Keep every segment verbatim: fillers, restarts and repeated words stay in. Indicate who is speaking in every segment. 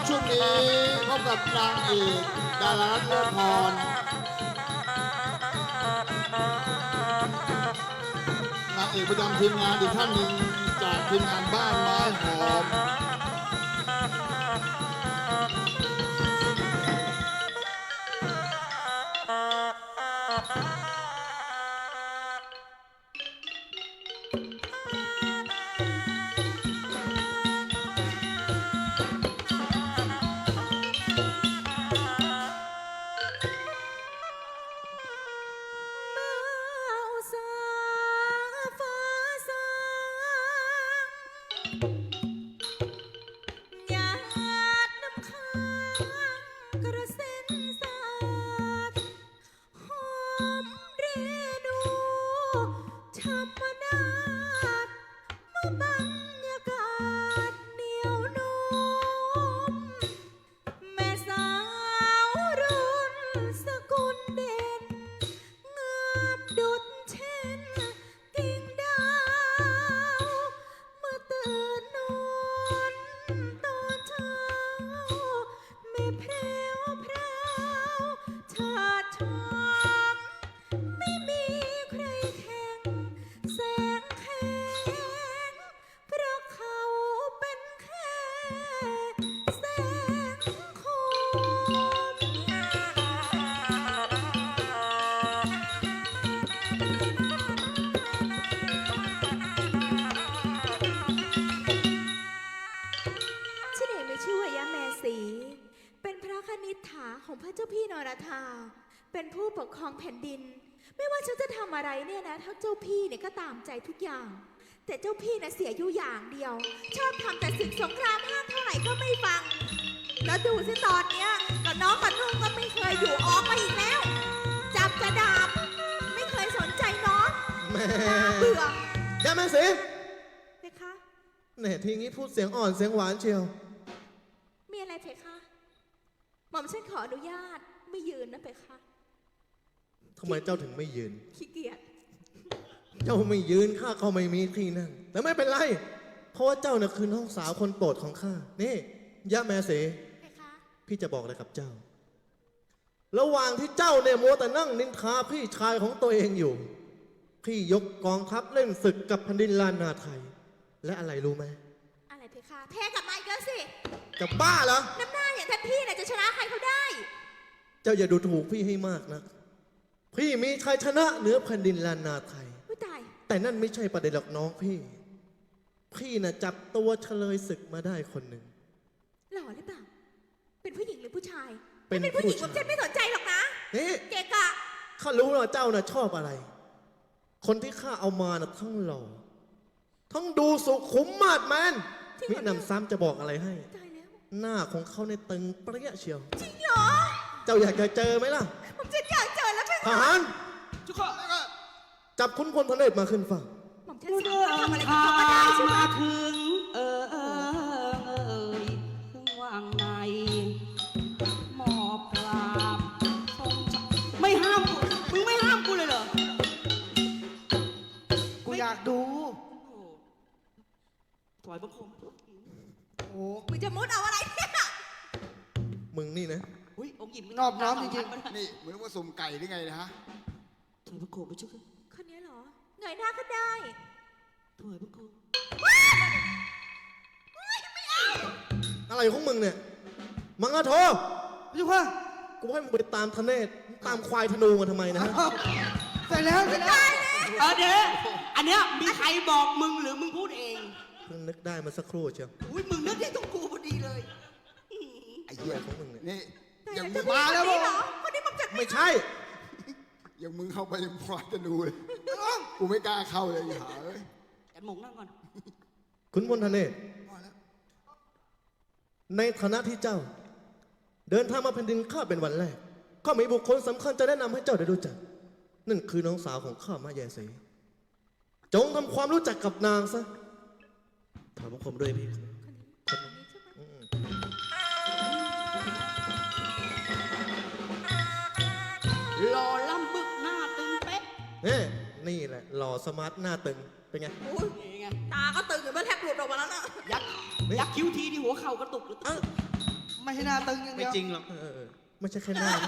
Speaker 1: ช่วงนี้พบกับนางเอกดารารัตน์เลิศพรนางเอกประจำทีมงานอีกท่านหนึ่งจากทีมงานบ้านไม้หอม
Speaker 2: เป็นพระคณิษฐาของพระเจ้าพี่นรธาเป็นผู้ปกครองแผ่นดินไม่ว่าฉันจะทำอะไรเนี่ยนะถ้าเจ้าพี่เนี่ยก็ตามใจทุกอย่างแต่เจ้าพี่น่ะเสียอยู่อย่างเดียวชอบทำแต่ศึกสงครามห้ามเท่าไหร่ก็ไม่ฟังแล้วดูสิตอนเนี้ยกับน้องกับนุ่งก็ไม่เคยอยู่ออกมาอีกแล้วจับจะดาบไม่เคยสนใจน้องแม่เบื่อย่า
Speaker 3: แม่สิ
Speaker 2: เพคะ
Speaker 3: เนี่ยทีนี้พูดเสียงอ่อนเสียงหวานเชียว
Speaker 2: มีอะไรเพคะหม่อมฉันขออนุญาตไม่ยืนนะเพคะ
Speaker 3: ทำไมเจ้าถึงไม่ยืน
Speaker 2: ขี้เกียจ
Speaker 3: เจ้าไม่ยืนข้าก็ไม่มีที่นั่งแต่ไม่เป็นไรเพราะว่าเจ้าน่ะคือน้องสาวคนโปรดของข้านี่ย่าแม่เสเพคะพี่จะบอกอะไรกับเจ้าระหว่างที่เจ้าเนี่ยมัวแต่นั่งนินทาพี่ชายของตัวเองอยู่พี่ยกกองทัพเล่นศึกกับแผ่นดินลานนาไทยและอะไรรู้ไหม
Speaker 2: อะไรเพคะแพ้กับไมค์ก็สิ
Speaker 3: จะบ้าเหรอ
Speaker 2: น้ำหน้าอย่างท่านพี่เนี่ยจะชนะใครเขาได้
Speaker 3: เจ้าอย่าดูถูกพี่ให้มากนะพี่มีชัยชนะเหนือแผ่นดินลานนาไทยแต่นั่นไม่ใช่ประเด็นหรอกน้องพี่พี่น่ะจับตัวเฉลยศึกมาได้คนหนึ่ง
Speaker 2: หล่อหรือเปล่าเป็นผู้หญิงหรือผู้ชายเป็นผู้หญิงผมฉันไม่สนใจหรอกนะ
Speaker 3: นี่
Speaker 2: เกกะ
Speaker 3: ข้ารู้ว่าเจ้าน่ะชอบอะไรคนที่ข้าเอามาน่ะทั้งหล่อทั้งดูสุขุมมาดแมนมินำซ้ำจะบอกอะไรให้หน้าของเขาในตึงเปรี้ยเชียว
Speaker 2: จริงเหรอ
Speaker 3: เจ้าอยากจะเจอไหมล่ะ
Speaker 2: ผมจะอยากเจอแล้ว
Speaker 3: ทหารทุกคนจับคุณพลทะเลมาขึ้นฝั่ง
Speaker 2: ผมจะทำอะไรก็ทำได้ใช่ไหม
Speaker 4: ถึงเออเออถึงวางในหมอบกราบไม่ห้ามกูมึงไม่ห้ามกูเลยเหรอ
Speaker 1: กูอยากดู
Speaker 4: ถอยบังคม
Speaker 1: โอ้
Speaker 2: มึงจะมุดเอาอะไรเนี่ย
Speaker 3: มึงนี่นะ
Speaker 4: อุ้ยองค์หญิง
Speaker 1: นอบน้อมจริงๆนี่เหมือนว่าสุ่มไก่หรือไงนะฮะ
Speaker 4: ถอยบังคมไปชุก
Speaker 2: คนนี้เหรอเงยหน้าก็ได้
Speaker 4: ถอยบังคม
Speaker 2: ไม่เอา
Speaker 3: อะไรของมึงเนี่ยมังกรโท
Speaker 1: พี่ว่า
Speaker 3: กูให้มึงไปตามทะเนศตามควายธนูมาทำไมนะฮะ
Speaker 1: ใส่แล้วใส่แล้ว
Speaker 4: เออเดี๋ยวอันเนี้ยมีใครบอกมึงหรือมึงพูดเอง
Speaker 3: เพิ่งนึกได้มาสักครู่เชียว
Speaker 4: อุ้ยมึงนึกได้ตรงกูพอดีเลย
Speaker 3: ไอ้เหี้ยของมึงเนี่ย
Speaker 1: นี่อย่างมึงมาแล้วมั้ง
Speaker 2: คนนี้มันจะ
Speaker 3: ไม่ใช่
Speaker 1: อย่างมึงเข้าไปยังควายธนูเลยกูไม่กล้าเข้าเลยอย่าหาเลย
Speaker 4: แอนมงนั่งก่อน
Speaker 3: คุณพลทะเลในฐานะที่เจ้าเดินทางมาแผ่นดินข้าเป็นวันแรกข้ามีบุคคลสำคัญจะแนะนำให้เจ้าได้รู้จักนั่นคือน้องสาวของข้ามาแยเสจงทำความรู้จักกับนางซะถามผมด้วยพี่
Speaker 4: หล่อล่ำบึกหน้าตึงเป๊ะ
Speaker 3: เฮ้นี่แหละหล่อสมาร์ทหน้าตึงเป็นไง
Speaker 2: ตาก็ตึงอยู่เมื่อแทบหลุดออกมาแล้วนะ
Speaker 4: ยักยักคิ้วทีที่หัวเข่ากระตุกหรือตึงไม่ให้หน้าตึงอย่าง
Speaker 5: ไม่
Speaker 4: เดียว
Speaker 5: จริงหรอก
Speaker 3: เออเออเออไม่ใช่แค่หน้านะ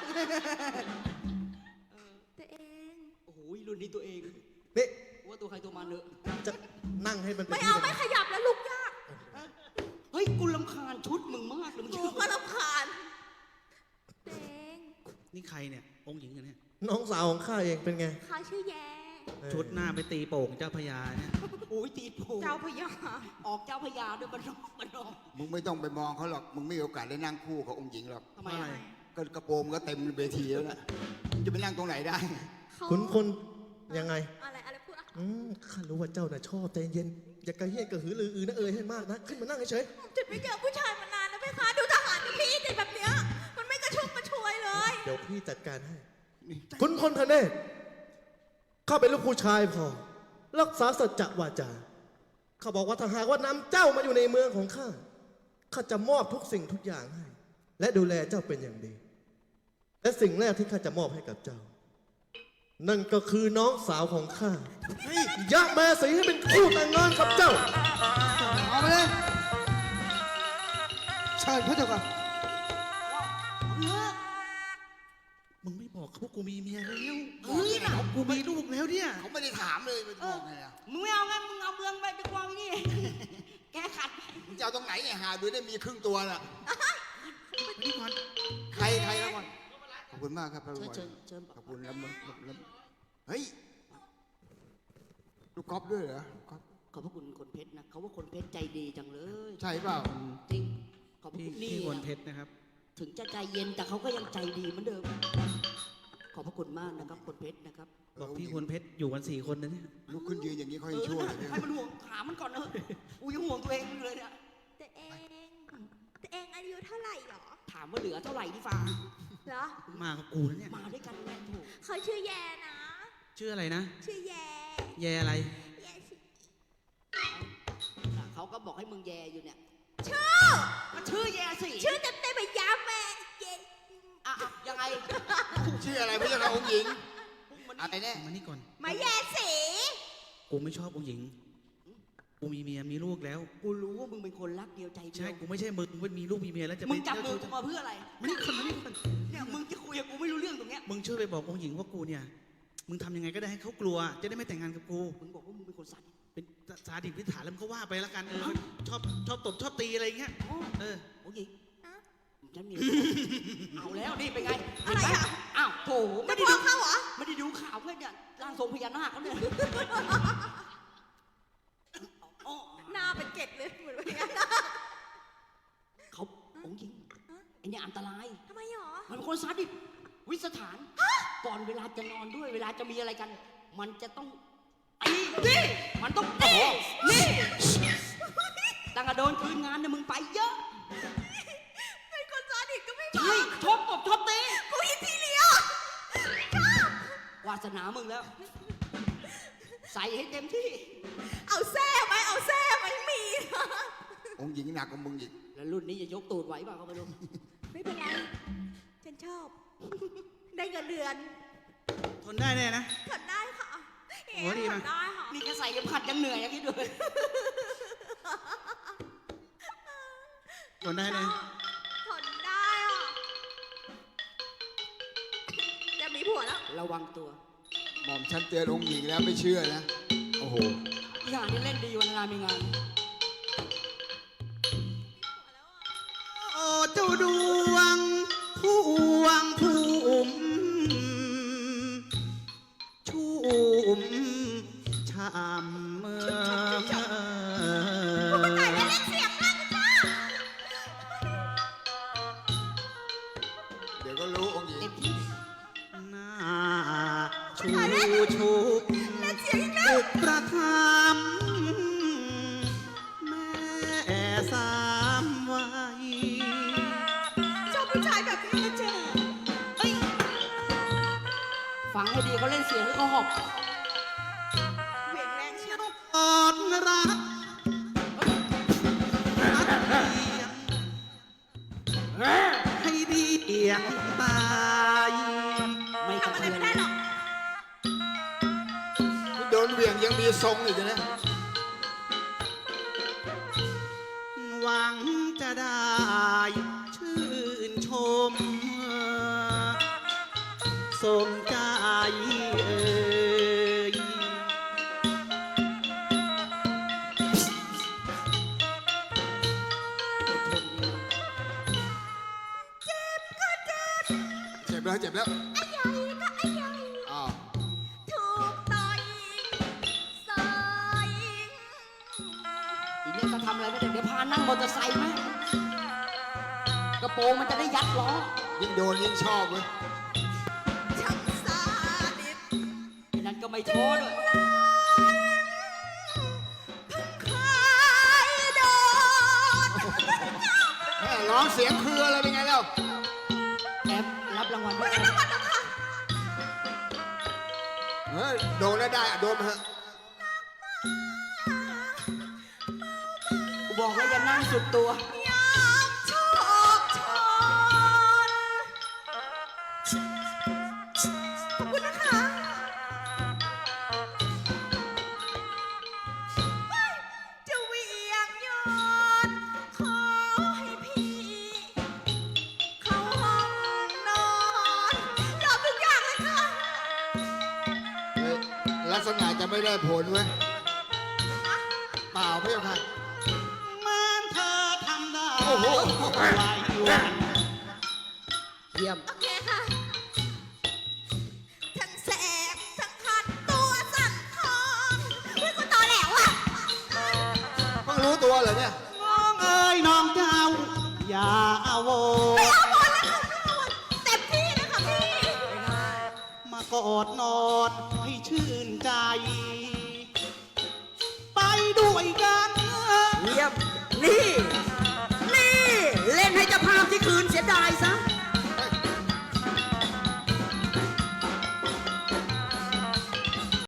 Speaker 2: ตัวเอง
Speaker 4: โอ้โหรุ่นนี้ตัวเอง
Speaker 3: นี่
Speaker 4: ว่าตัวใครตัวมันเนอะ
Speaker 3: จะนั่งให้มันเป็น
Speaker 2: ไม่
Speaker 3: ที่
Speaker 2: เอา
Speaker 3: เป็น
Speaker 2: ไม่ขยับแล้วลุกยาก
Speaker 4: เฮ้ยกูรำคาญชุดมึงมากเลยมึง
Speaker 2: กูก็รำคาญตัวเอง
Speaker 5: นี่ใครเนี่ย องค์หญิงกันเนี่ย
Speaker 3: น้องสาวของข้าเองเป็นไง
Speaker 2: เขาชื่อแย่
Speaker 3: เออ
Speaker 5: ชุดหน้าไปตีโป่งเจ้าพญาเนี่ย
Speaker 4: โอ้ยตีโผ
Speaker 2: เจ้าพญา
Speaker 4: ออกเจ้าพญาด้วยบันนอกบันนอก
Speaker 1: มึงไม่ต้องไปมองเขาหรอก มึงไม่มีโอกาสได้นั่งคู่กับองค์หญิงหรอก
Speaker 4: ทำไม
Speaker 5: อะไร
Speaker 4: อะ
Speaker 1: ก็กระโปรงก็เต็มเวทีแล้วนะมึงจะไปนั่งตรงไหนได้
Speaker 2: เขา
Speaker 3: คุณคนยังไง
Speaker 2: อะไรอะไรพูดอะ
Speaker 3: อืมข้ารู้ว่าเจ้าน่ะชอบใจเย็น อย่ากระเฮี้ยนกระหือรืออือนะเอ่ยให้มากนะ ขึ้นมานั่งเฉย
Speaker 2: จุดไม่เจอผู้ชายมานานแล้วไหมคะดูทหารพี่ติดแบบเนี้ยมันไม่กระชุ่มกระชวยเลย
Speaker 3: ๆเดี๋ยวพี่จัดการให้
Speaker 1: นี่
Speaker 3: คุณคนทะเนศข้าเป็นลูกผู้ชายพอ รักษาสัจจะวาจา เขาบอกว่าถ้าหากว่านำเจ้ามาอยู่ในเมืองของข้า ข้าจะมอบทุกสิ่งทุกอย่างให้ และดูแลเจ้าเป็นอย่างดี และสิ่งแรกที่ข้าจะมอบให้กับเจ้า นั่นก็คือน้องสาวของข้า
Speaker 5: เฮ้ย
Speaker 3: ยะแม่สีให้เป็นคู่แต่งงานกับเจ้า
Speaker 4: เอาไปเลยเชิญพระเจ้าค่ะ
Speaker 5: มึงไม่บอกเขาว่ากูมีเมียแล้ว
Speaker 4: เฮ้ยน่ะ
Speaker 5: กูมีลูกแล้วเนี่ย
Speaker 1: เขาไม่ได้ถามเลยไปบอกไงอ่ะ
Speaker 4: มึงไม่เอาไงมึงเอาเมืองไปไปกวางนี่ แกขัด
Speaker 1: มึงจะเอาตรงไหนเนี่ยหาดูได้มีครึ่งตัวน่ะ
Speaker 5: นี่ก่อน
Speaker 1: ใครใครแล้วก่อนขอบคุณมากครับพระ
Speaker 4: เชิ
Speaker 1: บุ
Speaker 4: ญ
Speaker 1: ตร
Speaker 4: เชิญเชิญ
Speaker 1: ขอบคุณแล้วมึงแล้วเฮ้ย ลูกก๊อฟด้วยเหรอก๊อฟ
Speaker 4: ขอบพระคุณคนเพชรนะเขาว่าคนเพชรใจดีจังเลย
Speaker 1: ใช่เปล่า
Speaker 4: จริงขอบพระ
Speaker 5: พี่
Speaker 4: คุณนี่
Speaker 5: พี่คน
Speaker 4: นะ
Speaker 5: เพชรนะครับ
Speaker 4: ถึงจะใจเย็นแต่เขาก็ยังใจดีเหมือนเดิม ขอบพระคุณมากนะครับคนเพชรนะครับ
Speaker 5: บอกพี่คนเพชรอยู่กันสี่คนนะเนี่ย
Speaker 1: ลุกขึ้นยืนอย่างนี้เขา
Speaker 4: เอ
Speaker 1: ยัง
Speaker 4: อ
Speaker 1: ชั่วเลยเนี่ย
Speaker 4: ให้มันห่วงถามมันก่อนเนอะกูยังห่วงตัวเองอยู่เลยเนี่ย
Speaker 2: ตัวเองตัวเองอายุเท่าไหร่หรอ
Speaker 4: ถามว่าเหลือเท่าไหร่ที่ฟ้า
Speaker 2: เหรอ
Speaker 5: มากับกูนะเนี่ย
Speaker 4: มาด้วยกันแน่ถูก
Speaker 2: เขาชื่อแย่นะ
Speaker 5: ชื่ออะไรนะ
Speaker 2: ชื่อแย่
Speaker 5: แยอะไร
Speaker 2: แย่ชื่อ
Speaker 4: เขาก็บอกให้มึงแย่อยู่เนี่ย
Speaker 2: ชื่อ
Speaker 4: มันชื่อแย่สิ
Speaker 2: ชื่อเต็มเต็มๆแบบยาแม่แย่
Speaker 4: อ่ะอ่ะยังไง
Speaker 1: ชื่ออะไรพี่เจ้าค่ะองค์หญิง
Speaker 4: มัน
Speaker 1: อะไรแน่
Speaker 5: มานี่ก่อน
Speaker 2: มาแย่สี
Speaker 5: กูไม่ชอบองค์หญิง กูมีเมียมีลูกแล้ว
Speaker 4: กูรู้ว่ามึงเป็นคนรักเดียวใจเดี
Speaker 5: ใช่
Speaker 4: ยว
Speaker 5: กูไม่ใช่มึงมึงมีลูกมีเมียแล้วจะไป
Speaker 4: มึงจับมือ
Speaker 5: เจ้า
Speaker 4: กูมาเพื่ออะไร
Speaker 5: มานี่ก่อนมานี่ก่อน
Speaker 4: เนี่ยมึงจะคุยกับกูไม่รู้เรื่องตรงเนี้ย
Speaker 5: มึงช่วยไปบอกองค์หญิงว่ากูเนี่ย มึงทำยังไงก็ได้ให้เขากลัว จะได้ไม่แต่งงานกับกู
Speaker 4: มึงบอกว่ามึงเป็นคนสัตว์
Speaker 5: เป็นสาดิบวิถานแล้วมึงก็ว่าไปแล้วกันเออชอบชอบตบชอบตีอะไรอย่างเงี้ย
Speaker 4: อ๋อ
Speaker 5: เออ
Speaker 4: โอ้ย
Speaker 2: ฮะ
Speaker 4: ฉันมี เอาแล้วนี่เป็นไง
Speaker 2: อะไรอ่ะ
Speaker 4: อ้าวโถ
Speaker 2: จะ
Speaker 4: ไม่ได้
Speaker 2: ฟ้
Speaker 4: ดู
Speaker 2: องเขาเหรอ
Speaker 4: ไม่ได้ดูข่าวเพื่อนเนี่ยร่างทรงพญานาคเขาเนี่ยอ๋อ
Speaker 2: หน้าเป็นเกล็ดเลยเหมือนว่าอย่างนั้น
Speaker 4: เขาองค์หญิงไอเนี่ยอันตราย
Speaker 2: ทำไมหรอ
Speaker 4: มันเป็นคนซาดิสวิสถาน ก่อนเวลาจะนอนด้วย เวลาจะมีอะไรกัน มันจะต้องตีนี่มันต้องตีนี่ตั้งแต่โดนคืนงานเนี่ยมึงไปเยอะ
Speaker 2: เป็นคนซาดิสก็ไม่บอ
Speaker 4: ใช่
Speaker 2: ก
Speaker 4: ชอบตบชอบตี
Speaker 2: กูอินทีเลียว
Speaker 4: วาสนามึงแล้ว ใส่ให้เต็มที่
Speaker 2: เอาแซ่ไหมเอาแซ่ไหมมีนะ
Speaker 1: องค์หญิงหนักกว่ามึงอีก
Speaker 4: แล้วรุ่นนี้จะยกตูดไหวเปล่าก็ไม่รู้
Speaker 2: ไม่เป็นไร ฉันชอบ ได้เงินเดือน
Speaker 5: ทนได้แน่นะ
Speaker 2: ทนได้ค่ะ
Speaker 5: โอ้ดีนะ
Speaker 2: ทนได้ค่ะ
Speaker 4: นี่แค่ใส่เข็มขัดยังเหนื่อยอย่างนี้ด้วย
Speaker 5: ทนได้แน่
Speaker 2: ทนได้อ่ะจะมีผัวแล้ว
Speaker 4: ระวังตัว
Speaker 1: หม่อมฉันเตือนองค์หญิงแล้วไม่เชื่อนะ โอ้โห
Speaker 4: งานนี่เล่นดีวันงานมีงาน
Speaker 5: โอ้เจ้าดวงผู้วงผู้อุ่มชุ่มชามเมื่อ
Speaker 2: ตายแล้วเล่นเสียงมากจ้า
Speaker 1: เดี๋ยวก็รู้องค์หญิง
Speaker 4: เต็มที่
Speaker 5: หน้าชูชุบ
Speaker 2: เล่นเสียงอีกแล้ว
Speaker 5: อุประคำแม่สามวัย
Speaker 2: ชอบผู้ชายแบบนี้นะเจ๊
Speaker 4: เอ้ยฟังให้ดีเขาเล่นเสียงแล้วเขาหอบ
Speaker 2: เหวี่ยงแรงเชียว
Speaker 5: อ่อนรักรักเพียงให้ดีเอียงตาย
Speaker 4: ไม่กระ
Speaker 2: ทำอะไร
Speaker 4: เทือน
Speaker 2: ไม่ได้หรอก
Speaker 1: โดนเหวี่ยงยังมีทรงอีกนะ
Speaker 5: หวังจะได้มสมใจเอ่ย
Speaker 1: เจ็บแล้วเจ็บแล้ว
Speaker 2: ไอ้ใหญ่ก็ไอ้ใหญ่
Speaker 1: อ้าว
Speaker 2: ถูกต่อยสอย
Speaker 4: อีเนี่ยจะทำอะไรไม่ได้เดี๋ยวพานั่งมอเตอร์ไซค์ไหมกระโปรงมันจะได้ยัดล้อ
Speaker 1: ยิ่งโดนยิ่งชอบเว้ย
Speaker 2: ช่างซาดิส
Speaker 4: ไอ้นั่นก็ไม่โท้อด้วย
Speaker 2: คายโดน
Speaker 1: แม่ร้องเสียงคืออะไรเป็นไงแล้ว
Speaker 4: แอบรับรางวัลด้วย
Speaker 2: จังหวัดนะคะ
Speaker 1: เฮ้ยโดนแล้วได้อะโดนมาเถอะ
Speaker 4: กูบอกแล้วอย่านั่งสุดตัว
Speaker 2: ยามโชคชนขอบคุณนะคะเฮ้ยจะเหวียงโยนขอให้พี่ เข้าห้องนอนยอมทุกอย่างเลยค่ะ
Speaker 1: เฮ้ยลักษณะจะไม่ได้ผลเว้ยเปล่าพี่ค่ะ
Speaker 5: แม้นเธอทำได้
Speaker 1: โอ้โห
Speaker 5: หลายวัน
Speaker 4: เยี่ยม
Speaker 2: โอเคค่ะ ทั้งแสบทั้งคันตัวสั่นทองเฮ้ยกูตอแหลวอ่ะ
Speaker 1: เพิ่งรู้ตัวเหรอเนี่ย
Speaker 5: น้องเอ้ยน้องเจ้า อย่าอาโว
Speaker 2: ไม่เอาหมดแล้วค่ะไม่เอาหมดเต็มที่นะคะพี่
Speaker 5: มากอดนอนให้ชื่นใจ ไปด้วยกัน
Speaker 4: เยี่ยม นี่ นี่ เล่นให้เจ้าภาพที่คืนเสียดาย